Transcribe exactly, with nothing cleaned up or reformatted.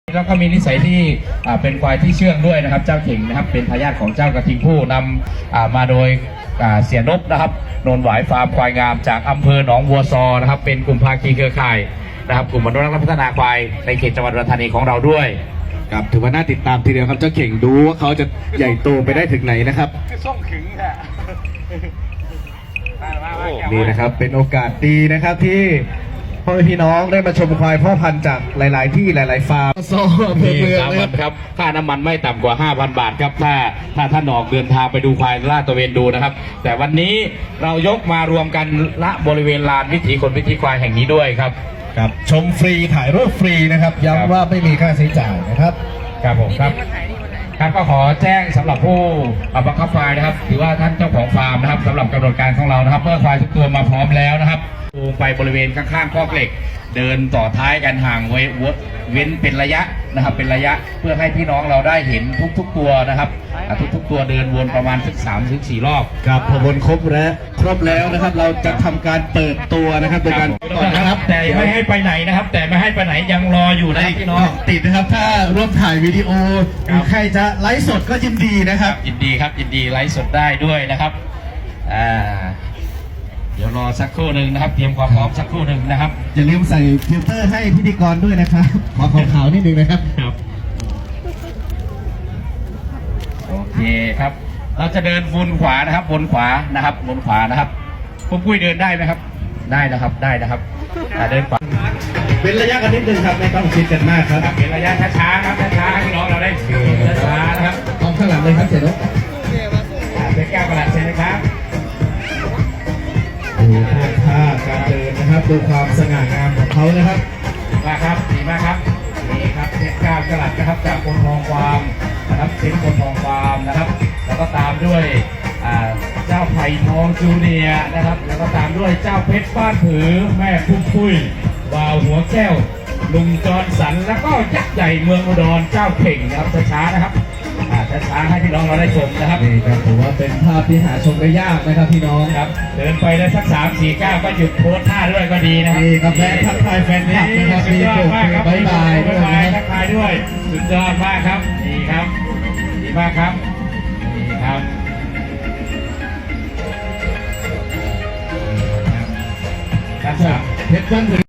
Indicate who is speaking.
Speaker 1: แล้วก็มีนิสัยที่เป็นควายที่เชื่องด้วยนะครับเจ้าเข่งนะครับเป็นทายาทของเจ้ากระทิงผู้นำมาโดยเสียนบนะครับนนหวายฟาร์มควายงามจากอำเภอหนองบัวซอนะครับเป็นกลุ่มภาคีเครือข่ายนะครับกลุ่มอนุรักษ์และพัฒนาควายในเขตจังหวัดอุดรธานีของเราด้วย
Speaker 2: ครับถือว่าน่าติดตามทีเดียวครับเจ้าเข่งดูว่าเขาจะใหญ่โตไปได้ถึงไหนนะครับ
Speaker 1: ส่งถึงค่ะ
Speaker 2: นี่นะครับเป็นโอกาสดีนะครับที่พ่อพี่น้องได้มาชมควายพ่อพันธุ์จากหลายๆที่หลายๆฟาร์มโซ่เพื่อเมือง
Speaker 1: นะครับค่าน้ำมันไม่ต่ำกว่า ห้าพัน บาทครับถ้าถ้าท่านออกเดินทางไปดูควายลาดตระเวนดูนะครับแต่วันนี้เรายกมารวมกันณบริเวณลานวิถีคนวิถีควายแห่งนี้ด้วยครับ
Speaker 2: ครับชมฟรีถ่ายรูปฟรีนะครับย้ำว่าไม่มีค่าใช้จ่ายนะครับ
Speaker 1: ครับผมครับครับก็ขอแจ้งสำหรับผู้บังคับควายนะครับถือว่าท่านเจ้าของฟาร์มนะครับสำหรับกำหนดการของเรานะครับเมื่อควายทุกตัวมาพร้อมแล้วนะครับไปบริเวณข้างๆคอกเหล็กเดินต่อท้ายกันห่างไว้เว้นเป็นระยะนะครับเป็นระยะเพื่อให้พี่น้องเราได้เห็นทุกๆตัวนะครับทุกๆตัวเดินวนประมาณสักสามถึงสี่รอบ
Speaker 2: ครับพอวนครบแล้วครบแล้วนะครับเราจะทำการเปิดตัวนะครับโดยการ
Speaker 1: ก่อนนะครับแต่ไม่ให้ไปไหนนะครับแต่ไม่ให้ไปไหนยังรออยู่นะพี่น้อง
Speaker 2: ติดนะครับถ้าร่วมถ่ายวิดีโอใครจะไลฟ์สดก็ยินดีนะครับ
Speaker 1: ยินดีครับยินดีไลฟ์สดได้ด้วยนะครับอ่าเดี๋ยวรอสักครู่หนึ่งนะครับเตรียมความพร้อมสักครู่หนึ่งนะครับ
Speaker 2: อย่าลืมใส่ฟิลเตอร์ให้พิธีกรด้วยนะครับขอขาวๆนิดนึงนะครับ
Speaker 1: ครับโอเคครับเราจะเดินวนขวานะครับวนขวานะครับวนขวานะครับผมคุยเดินได้ไหมครับได้นะครับได้นะครับเดินขวา
Speaker 2: เป็นระยะกันนิดนึงครับไม่ต้องคิดกันมากครับ
Speaker 1: เป็นระยะช้าๆครับช้าๆให้พี่น้องเราได้ช้าๆนะครับ
Speaker 2: มองข้างหลังเลยครับเสร็จแล้ว
Speaker 1: เป็นแก้วกระดาษเสร็จนะครับ
Speaker 2: ดูท่าการเดินนะครับดูความสง่างามของเขานะครับ
Speaker 1: มาครับดีมากครับนี่ครับเพชรก้าวกระดาษนะครับจากคนทองฟาร์มนะครับเซ็นคนทองฟาร์มนะครับแล้วก็ตามด้วยเจ้าไผ่ทองจูเนียนะครับแล้วก็ตามด้วยเจ้าเพชรบ้านผือแม่พุ่มปุ้ยบ่าวหัวแก้วลุงจรสันแล้วก็ยักษ์ใหญ่เมืองอุดรเจ้าเข่งนะครับช้าๆนะครับช้าๆให้พี่น้องเราได้ชมนะครับ
Speaker 2: นี่ครับถือว่าเป็นภาพที่หาชมได้ยากนะครับพี่น้อง
Speaker 1: ครับเดินไปได้สักสามสี่ก้าวก็หยุดโพสท่าด้วยก็ดีนะครับ
Speaker 2: นี่ครับแฟนทักทายแฟนคลับนะครับ
Speaker 1: สุดยอดมากครับบ๊ายบายบ๊ายบายทักทายด้วยสุดยอดมากครับดีครับดีมากครับดีครับครับ
Speaker 2: เพชรบ้านผือ